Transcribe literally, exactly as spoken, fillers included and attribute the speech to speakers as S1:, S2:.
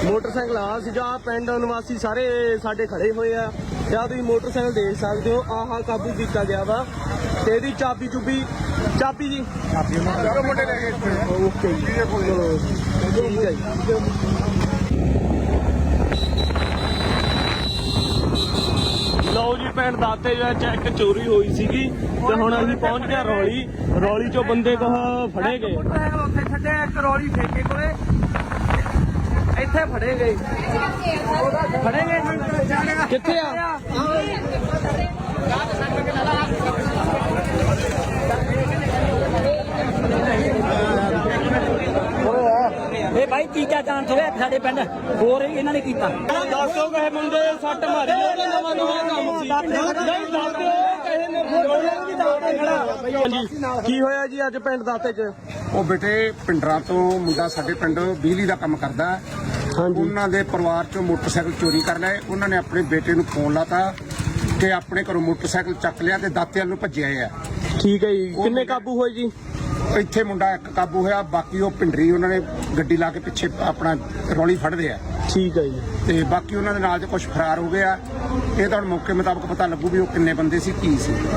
S1: Motorcycle ਆ ਸੀਗਾ। ਪਿੰਡ ਨਿਵਾਸੀ ਸਾਰੇ ਸਾਡੇ ਖੜੇ ਹੋਏ ਆ। ਜਾਂ ਤੁਸੀਂ ਮੋਟਰਸਾਈਕਲ ਦੇਖ ਸਕਦੇ ਹੋ। ਆਹ ਕਾਬੂ ਕੀਤਾ ਗਿਆ ਵਾ ਤੇ ਇਹਦੀ ਚਾਬੀ ਚੁਬੀ ਚਾਬੀ ਜੀ
S2: ਚਲੋ ਮੁੰਡੇ ਲੈ ਗਏ
S1: ਓਕੇ ਜੀ ਚਲੋ ਠੀਕ ਹੈ ਜੀ। ਲਓ ਜੀ ਪਿੰਡ ਦਾਤੇ ਵਿੱਚ ਇੱਕ ਚੋਰੀ ਹੋਈ ਸੀਗੀ ਤੇ ਹੁਣ ਅਸੀਂ ਪਹੁੰਚ ਗਏ ਰੌਲੀ। ਰੌਲੀ ਚੋਂ ਬੰਦੇ ਕਹ ਫੜੇ ਗਏ।
S3: ਉੱਥੇ ਛੱਡਿਆ ਇੱਕ ਰੌਲੀ ਠੇਕੇ ਕੋਲੇ ਇੱਥੇ ਫੜੇ ਗਏ ਫੜੇ ਗਏ
S1: ਕਿੱਥੇ ਆ?
S3: ਇਹ ਭਾਈ ਤੀਜਾ ਚਾਂਸ ਹੋਇਆ ਸਾਡੇ ਪਿੰਡ ਹੋਰ ਇਹਨਾਂ ਨੇ ਕੀਤਾ।
S1: ਦੱਸੋ ਕਹੇ ਮੁੰਡੇ ਸੱਟ ਮਾਰੀ ਉਹਦਾ ਨਵਾਂ ਨਵਾਂ ਕੰਮ ਸੀ। ਨਹੀਂ ਦੱਸਦੇ ਕਹੇ ਨੇ ਹਾਂਜੀ ਕੀ ਹੋਇਆ ਜੀ ਅੱਜ ਪਿੰਡ ਦਾਤੇ 'ਚ?
S2: ਉਹ ਬੇਟੇ ਪਿੰਡਰਾਂ ਤੋਂ ਮੁੰਡਾ ਸਾਡੇ ਪਿੰਡ ਬਿਜਲੀ ਦਾ ਕੰਮ ਕਰਦਾ।
S1: ਹਾਂਜੀ
S2: ਉਹਨਾਂ ਦੇ ਪਰਿਵਾਰ ਚੋਂ ਮੋਟਰਸਾਈਕਲ ਚੋਰੀ ਕਰ ਲਏ। ਉਹਨਾਂ ਨੇ ਆਪਣੇ ਬੇਟੇ ਨੂੰ ਫੋਨ ਲਾਤਾ ਕਿ ਆਪਣੇ ਘਰੋਂ ਮੋਟਰਸਾਈਕਲ ਚੱਕ ਲਿਆ ਤੇ ਦਾਤੇ ਵੱਲ ਨੂੰ ਭੱਜਿਆ ਆ।
S1: ਠੀਕ ਹੈ ਜੀ। ਕਿੰਨੇ ਕਾਬੂ ਹੋਏ ਜੀ?
S2: ਇੱਥੇ ਮੁੰਡਾ ਇੱਕ ਕਾਬੂ ਹੋਇਆ, ਬਾਕੀ ਉਹ ਪਿੰਡਰੀ ਉਹਨਾਂ ਨੇ ਗੱਡੀ ਲਾ ਕੇ ਪਿੱਛੇ ਆਪਣਾ ਰੌਲੀ ਫੜਦੇ ਆ
S1: ਠੀਕ ਹੈ ਜੀ।
S2: ਤੇ ਬਾਕੀ ਉਹਨਾਂ ਦੇ ਨਾਲ ਦੇ ਕੁਝ ਫਰਾਰ ਹੋ ਗਏ ਆ। ਇਹ ਤਾਂ ਹੁਣ ਮੌਕੇ ਮੁਤਾਬਕ ਪਤਾ ਲੱਗੂ ਵੀ ਉਹ ਕਿੰਨੇ ਬੰਦੇ ਸੀ ਕੀ ਸੀ।